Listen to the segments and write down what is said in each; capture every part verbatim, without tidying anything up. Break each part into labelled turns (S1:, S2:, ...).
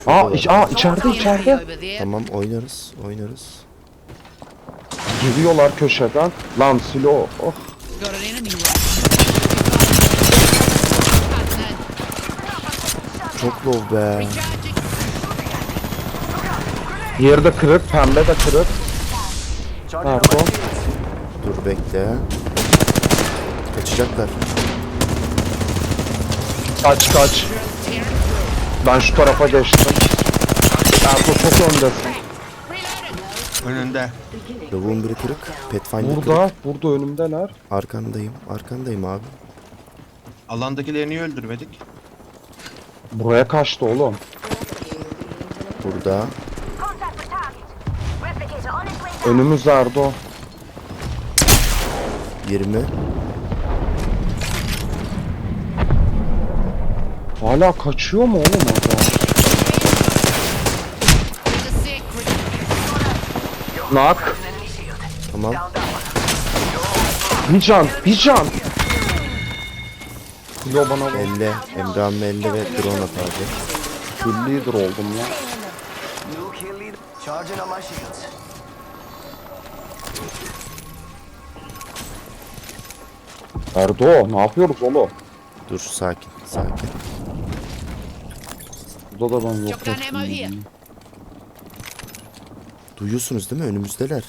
S1: Aa,
S2: Şurada
S1: iç,
S2: var.
S1: aa içeride içeride.
S3: Over there.
S2: Tamam oynarız oynarız.
S1: Giriyorlar köşeden. Lan silo. Oh.
S3: Got an enemy right.
S2: Çok low be.
S3: Recharging.
S1: Diğeri de kırık. Pembe de kırık. Pardon.
S2: Dur bekle. Kaçacaklar.
S1: Kaç kaç. Ben şu tarafa geçtim. Erko çok öndesin.
S4: Önünde.
S2: Lavuğun biri kırık. Pathfinder
S1: Burada.
S2: kırık.
S1: Burada önümdeler.
S2: Arkandayım. Arkandayım abi.
S4: Alandakileri niye öldürmedik?
S1: Buraya kaçtı oğlum.
S2: Burada.
S5: Contact with target. Replicator on its way down.
S1: Önümüz Erdo.
S2: yirmi.
S1: Hala kaçıyor mu oğlum orada?
S3: There's a secret.
S1: Nak.
S2: Tamam.
S1: Bir can. Bir can. Silo bana bak.
S2: elle. Emre amme elle ve drone at abi.
S1: Kill leader oldum ya.
S6: New kill leader. Charging on my shields.
S1: Erdo ne yapıyoruz oğlum?
S2: Dur sakin. Sakin.
S1: Burada da ben yok
S3: Shotgun ammo here.
S1: ettim.
S2: Duyuyorsunuz değil mi? Önümüzdeler.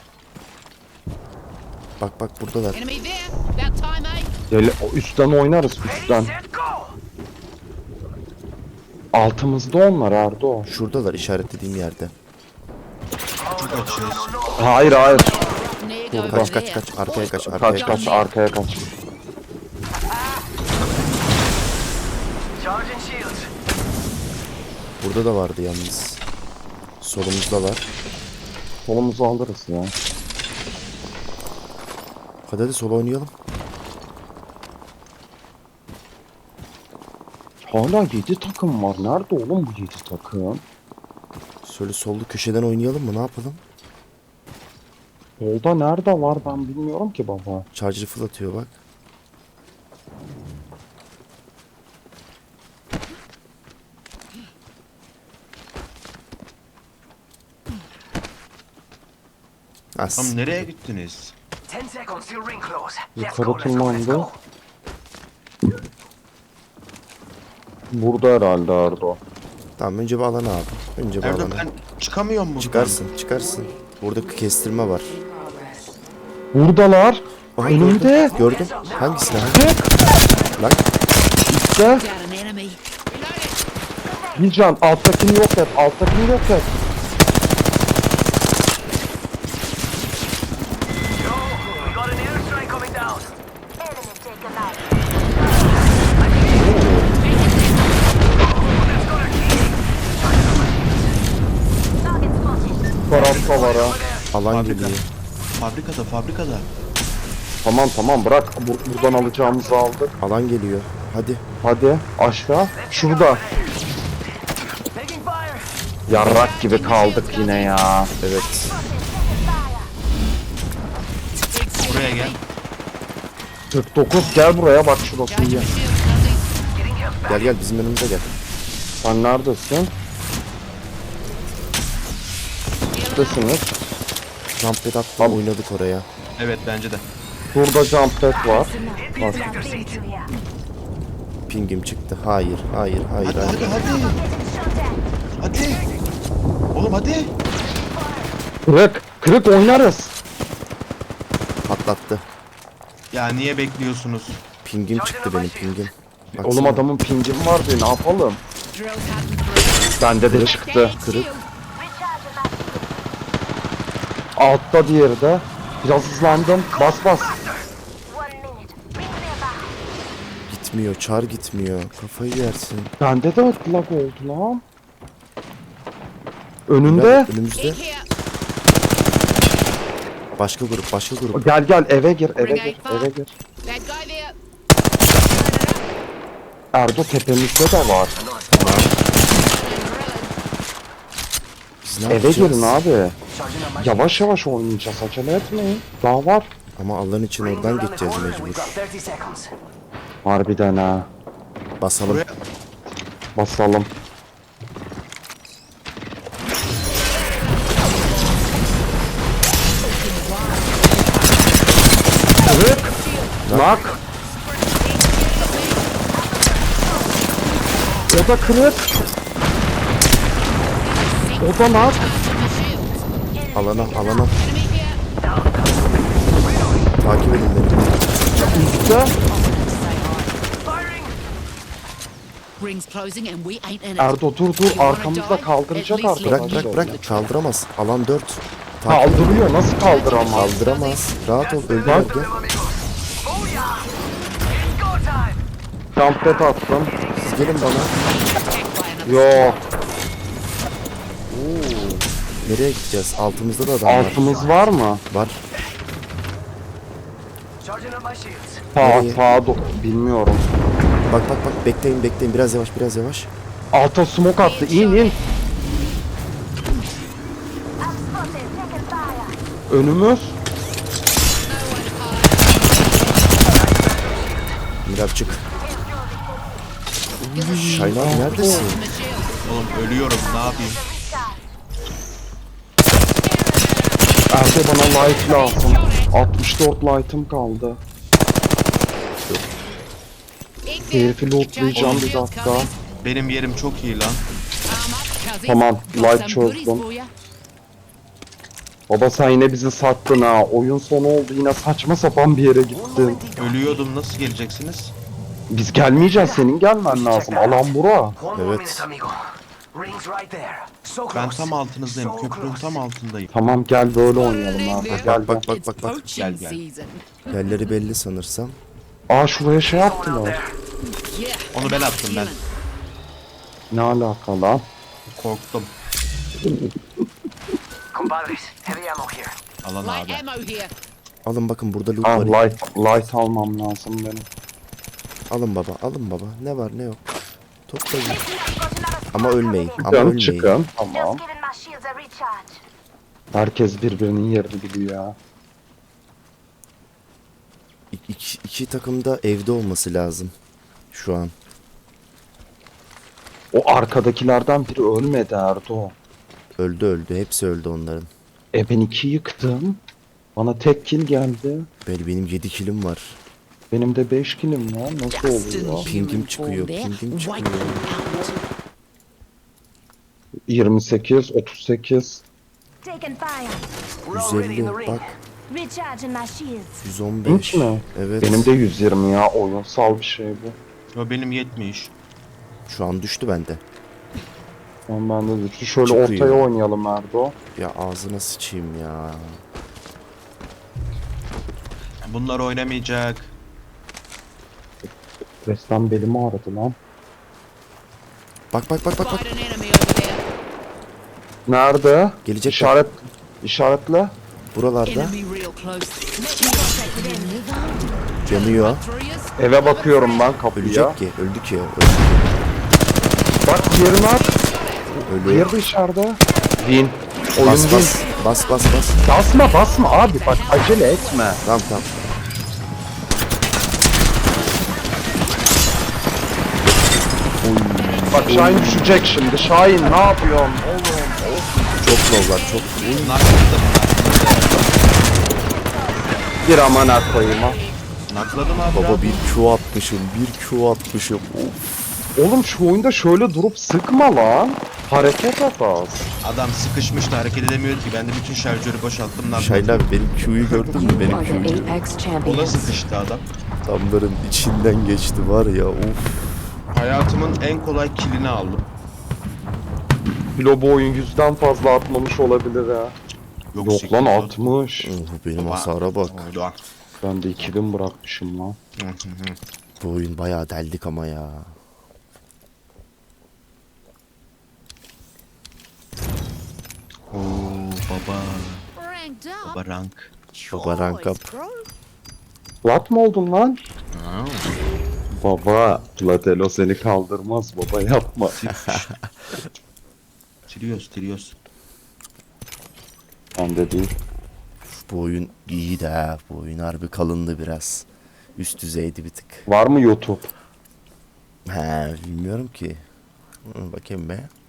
S2: Bak bak buradalar.
S3: Enemy there. About time, eh?
S1: Gel, o üstten oynarız üstten.
S6: Set go.
S1: Altımızda onlar Erdo.
S2: Şuradalar işaretlediğim yerde.
S4: Çok açıyoruz.
S1: Hayır hayır.
S3: Neg over
S2: Kaç kaç
S3: there.
S2: kaç. Arkaya kaç. Arkaya
S1: Kaç
S2: kaç.
S1: kaç arkaya kaç.
S6: Charging shields.
S2: Burada da vardı yalnız. Solumuzda var.
S1: Solumuzu alırız ya.
S2: Hadi hadi sola oynayalım.
S1: Hala yedi takım var. Nerede oğlum bu yedi takım?
S2: Şöyle sollu köşeden oynayalım mı? Ne yapalım?
S1: Solda nerede var ben bilmiyorum ki baba.
S2: Charger fırlatıyor bak. As.
S4: Tam nereye gittiniz?
S6: Ten seconds till ring close. Let's
S1: Yukarı
S6: go, let's go, let's
S1: tırmandı.
S6: go.
S1: Burada herhalde Erdo.
S2: Tamam önce bir alana abi. Önce bir
S4: Erdo
S2: alana.
S4: ben çıkamıyorum buradan.
S2: Çıkarsın çıkarsın. Burada kestirme var.
S1: Buradalar.
S2: Aha,
S1: Önümde.
S2: gördüm. Gördüm. Hangisine? Hangi? Lan
S1: İşte.
S3: Got an enemy. Reloading.
S1: Bir can. Alttakini yok et. Alttakini yok et.
S6: Yo, we got an airstrike coming down.
S5: Enemy taken out. Target spotted.
S1: Tarafta var ha.
S2: alan
S4: Fabrika.
S2: geliyor.
S4: Fabrikada fabrikada.
S1: Tamam tamam bırak. Bur- buradan alacağımızı aldık.
S2: Alan geliyor. Hadi.
S1: Hadi aşağı. Şurada.
S6: Taking fire.
S1: Yarrak gibi kaldık yine ya.
S2: Evet.
S4: Buraya gel.
S1: kırk dokuz gel buraya bak şurası
S3: Charge
S1: iyi.
S3: your shield, Nuzzy.
S6: Getting him back.
S2: Gel gel bizim önümüze gel.
S1: Sen neredesin? Neredesiniz?
S2: Jump pad atla oynadık oraya.
S4: Evet bence de.
S1: Burada jump pad var. Bak.
S6: Take your seat.
S2: Pingim çıktı. Hayır, hayır, hayır,
S4: Hadi
S2: hayır.
S4: hadi hadi. Hadi. Oğlum hadi.
S1: Kırık. Kırık oynarız.
S2: Patlattı.
S4: Ya niye bekliyorsunuz?
S2: Pingim çıktı benim pingim. Baksana.
S1: Oğlum adamın pingim var diye ne yapalım?
S3: Drill cutting through.
S1: Bende de çıktı.
S2: Kırık.
S5: Recharging that.
S1: Altta diğeri de. Biraz hızlandım. Bas bas.
S5: One minute. Ring clear back.
S2: Gitmiyor, çar gitmiyor. Kafayı yersin.
S1: Bende de lag oldu lan. Önünde.
S2: Önümüzde.
S3: Dig here.
S2: Başka grup, başka grup.
S1: Gel gel eve gir eve gir eve gir.
S3: Bad guy there.
S1: Erdo tepemizde de var.
S2: Biz ne
S1: Eve
S2: yapacağız?
S1: girin abi.
S6: Charging on my
S1: Yavaş yavaş oynayacağız acele etmeyin. Daha var.
S2: Ama Allah'ın için
S6: Ring
S2: oradan
S6: around the
S2: geçeceğiz
S6: corner.
S2: mecbur.
S6: We've got thirty seconds.
S1: Harbiden ha.
S2: Basalım.
S4: Buraya
S1: Basalım. Nak. O da kırık. O da nak.
S2: Alana alana
S3: Enemy here.
S2: takip edin beni.
S1: Üstte.
S6: Firing!
S3: Rings closing and we ain't in it.
S1: Erdo dur dur. Arkamızda kaldıracak
S3: At least
S2: Bırak
S1: arkadaşlar.
S2: bırak bırak kaldıramaz. Alan dört. Takip
S1: Kaldırıyor. Nasıl kaldıramaz?
S2: kaldıramaz. Rahat ol öldü
S1: Bak.
S2: gel.
S6: Oh yeah! It's go time!
S1: Jumpet attım.
S2: Siz gelin bana.
S3: Attacked by another.
S1: Yok.
S2: Nereye gideceğiz? Altımızda da adam var.
S1: Altımız var mı?
S2: Var.
S6: Charging up my shields.
S1: Sağ
S2: Nereye?
S1: sağa do- bilmiyorum.
S2: Bak bak bak bekleyin bekleyin biraz yavaş biraz yavaş.
S1: Alta smoke attı. İn in.
S5: I'm spotted. Taking fire.
S1: Önümüz.
S2: Mirab çık. Şahin abi neredesin?
S4: Oğlum ölüyorum ne yapayım?
S1: Erdo bana light lazım. altmış dört light'ım kaldı. Herifi lootlayacağım bir dakika.
S4: Benim yerim çok iyi lan.
S1: Tamam, light çözdüm. Baba sen yine bizi sattın ha. Oyun sonu oldu yine saçma sapan bir yere gittin.
S4: Ölüyordum nasıl geleceksiniz?
S1: Biz gelmeyeceğiz, senin gelmen lazım. Alan bura.
S6: One more
S2: Evet.
S6: minute, amigo. Rings right there. So close.
S4: Ben tam altınızdayım.
S6: So
S4: Köprünün
S6: close.
S4: tam altındayım.
S1: Tamam gel böyle oynayalım abi. Gel gel.
S2: Bak bak bak bak.
S4: Gel, gel.
S2: Yerleri belli sanırsam.
S1: Aa şuraya şey
S6: One out
S1: yaptılar.
S6: there.
S4: Onu ben attım ben.
S1: Ne alaka lan?
S4: Korktum.
S6: Compadres, heavy ammo here.
S4: Alan
S3: Light
S4: abi.
S3: ammo here.
S2: Alın bakın burada loot
S1: Ah
S2: var.
S1: light, light almam lazım benim.
S2: Alın baba alın baba. Ne var ne yok. Toplayın.
S5: Listen up, got another
S2: Ama
S5: squad
S2: ölmeyin.
S5: coming in.
S2: Ama
S1: Çıkın
S2: ölmeyin.
S1: çıkın. Tamam.
S5: Just giving my shields a recharge.
S1: Herkes birbirinin yerini biliyor ya.
S2: İ- iki, iki takım da evde olması lazım. Şu an.
S1: O arkadakilerden biri ölmedi Erdo.
S2: Öldü öldü. Hepsi öldü onların.
S1: E ben iki yıktım. Bana tek kill geldi.
S2: Böyle benim yedi kilim var.
S1: Benim de beş killim var. Nasıl oluyor?
S2: Pingim çıkıyor. Pingim çıkıyor.
S1: yirmi sekiz, otuz sekiz.
S5: Taking fire.
S6: We're already in
S2: yüz
S6: the
S2: elli
S6: ring.
S2: bak.
S5: Recharging my shields.
S2: yüz on beş.
S1: Hiç mi?
S2: Evet.
S1: Benim de yüz yirmi ya. Oyunsal bir şey bu.
S4: Yo benim yetmiş.
S2: Şu an düştü bende.
S1: Tamam ben de düştü. Şöyle
S2: Çıkıyor.
S1: ortaya oynayalım Erdo.
S2: Ya ağzına sıçayım ya.
S4: Bunlar oynamayacak.
S1: Resmen belimi ağrıdı lan.
S2: Bak bak bak bak bak.
S3: Spotted an enemy over there.
S1: Nerede?
S2: Gelecek
S1: İşaret, işaretle.
S2: Buralarda
S3: Enemy real close.
S2: yanıyor.
S3: Through yous.
S1: Eve bakıyorum ben kapıya.
S2: Ölecek ki. Öldü ki. Öldü ki.
S1: Bak diğerini at.
S2: Ölüyor.
S1: Diğeri de içeride. Win. Oyun
S2: Bas
S1: win.
S2: bas. Bas bas bas.
S1: Basma basma abi bak acele etme.
S2: Tamam tamam.
S1: Bak Şahin düşecek şimdi. Şahin ne yapıyorsun?
S2: Çok lowlar çok.
S4: Nakladım.
S1: Bir amana koyayım ha.
S4: Nakladım abi.
S2: Baba
S4: abi.
S2: bir Q atmışım. Bir Q atmışım. Of.
S1: Oğlum şu oyunda şöyle durup sıkma lan. Hareket et az.
S4: Adam sıkışmıştı hareket edemiyordu ki. Ben de bütün şarjörü boşalttım. Nakladım.
S2: Şahin abi benim Q'yu gördün mü? Benim Q'yu.
S7: Apex
S4: O da
S7: champions.
S4: sıkıştı adam.
S2: Adamların içinden geçti var ya. Of.
S4: Hayatımın en kolay killini aldım.
S1: Bilo bu oyun yüzden fazla atmamış olabilir ha. Yok lan
S4: sekizde.
S1: altmış.
S2: Oh, benim
S4: Baba.
S2: hasara bak.
S4: Oldu.
S1: Ben de iki bin bırakmışım lan.
S4: Hı hı hı.
S2: Bu oyun bayağı deldik ama ya.
S4: Oo baba.
S3: Ranked up.
S4: Baba rank.
S2: Baba rank up.
S3: Choice, bro.
S1: Plat mı oldun lan?
S4: Aa,
S1: Baba, Platelo seni kaldırmaz baba yapma.
S4: Trios trios.
S1: Ben de değil.
S2: Bu oyun iyi de ha. Bu oyun harbi kalındı biraz. Üst düzeydi bir tık.
S1: Var mı YouTube?
S2: He bilmiyorum ki. Hı, bakayım be.